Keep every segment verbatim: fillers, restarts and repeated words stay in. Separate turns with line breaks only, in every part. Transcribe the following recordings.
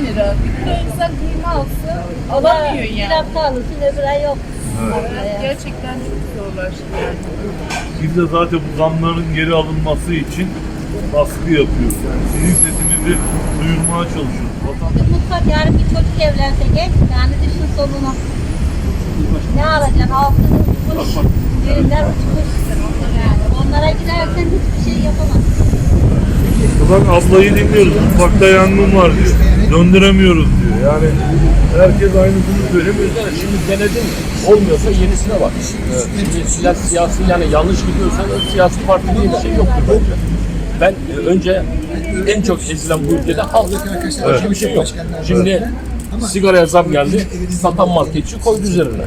lira. Bir kilo insan kıyma alsa alamıyor
Bir
yani.
hafta alırsın öbür ay yok.
Evet, gerçekten çok zorlaştı yani.
Biz de zaten bu zamların geri alınması için baskı yapıyoruz. Yani sizin sesinizi duyurmaya çalışıyoruz. Vatandaş
Mutlaka yarın bir çocuk evlense genç yani düşün sonunu. Ne alacaksın? Altın uçmuş, düğünler uçmuş. Yani onlara gidersen hiçbir şey yapamazsın.
Bak ablayı dinliyoruz. Mutfakta yangın var diyor. Döndüremiyoruz diyor. Yani herkes aynısını söylemiyor.
Yani şimdi denedin olmuyorsa yenisine bak. Evet. Şimdi silah, siyasi yani yanlış gidiyorsan siyasi parti diye bir şey yoktur bence. Ben e, önce en çok ezilen bu ülkede halk. Başka bir şey yok. Şimdi sigaraya zam geldi. Satan marketçi koydu üzerine.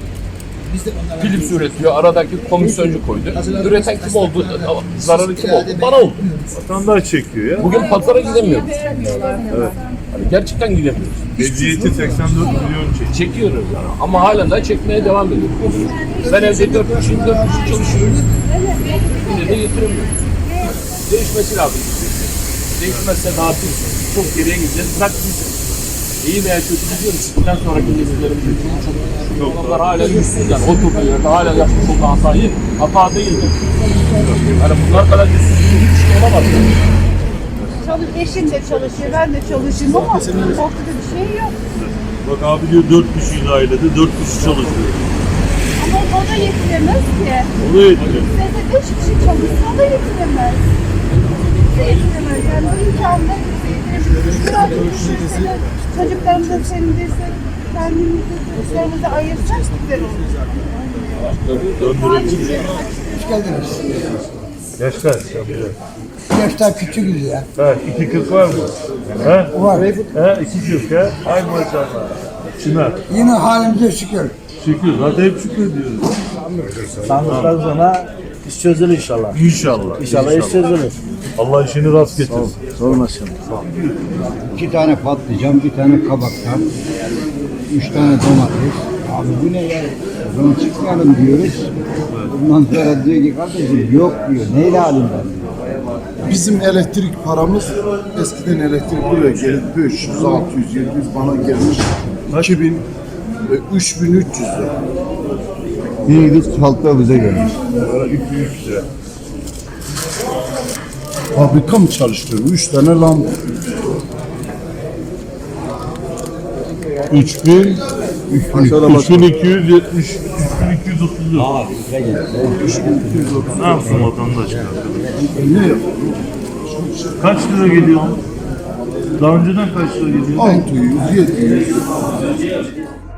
Philips üretiyor. Aradaki komisyoncu koydu. Üreten kim oldu? Zararı kim oldu? Bana oldu.
Vatandaş çekiyor ya.
Bugün pazara gidemiyoruz. Evet. Hani gerçekten gidemiyoruz.
Mecliyeti seksen dört milyon çekiyor.
Çekiyoruz yani. Ama halen daha çekmeye devam ediyoruz. Ben evde dört kişi, dört kişi çalışıyorum. Yine de getiremiyorum. Değişmesi lazım. Değişmezse ne yapayım? Çok geriye gideceğiz. Bırak biz. İyi veya kötü gidiyoruz. Bundan sonraki nesillerimiz için çok çok onlar hala yüzsüz yani. Oturduğu yerde hala yapmış olduğu hatayı hata değildir. Yani bunlar kadar yüzsüzlüğün hiç şey olamaz. Yani.
Çalış, eşim de çalışıyor, ben de çalışıyorum ama ortada bir şey yok.
Bak abi diyor dört kişiyiz ailede, dört kişi çalışıyor.
Ama o da yetiremez ki.
O da yetmiyor.
Bizde beş kişi çalışsa o da yetiremez. Bize yetiremez. Yani bu imkanla bize yetiremez. Biraz düşünsene, çocuklarımıza sevindirse, kendimizi, çocuklarımızı ayırsak güzel olur.
Döndürebilir.
Hoş geldiniz.
Yaşlar.
Yaşlar küçüküz ya.
Ha, iki kız var mı? Ha?
Var.
Ha, iki kız ha? Ay maşallah. Çınar.
Yine halimize şükür.
Şükür. Zaten hep şükür diyoruz.
Sandıktan sonra iş çözülür inşallah.
İnşallah.
İnşallah iş çözülür.
Allah işini rast getirsin.
Sormasın.
İki tane patlıcan, bir tane kabaktan, üç tane domates. Abi bu ne ya? O zaman çıkmayalım diyoruz. Ondan sonra diyor ki kardeşim yok diyor. Neyle alayım ben diyor.
Bizim elektrik paramız eskiden elektrik buraya gelip beş yüz, altı yüz, yedi yüz bana gelmiş. iki bin, üç bin üç yüz lira.
Bir yıl halkta bize gelmiş.
iki yüz lira.
Fabrika mı çalıştırıyor? Üç tane lamba. üç bin,
üç bin iki yüz yetmiş, üç bin iki yüz otuz dört. Ne yapsın vatandaş?
ne yapıyor?
Kaç lira geliyor? Daha önceden kaç lira geliyor?
altı yüz, yedi yüz.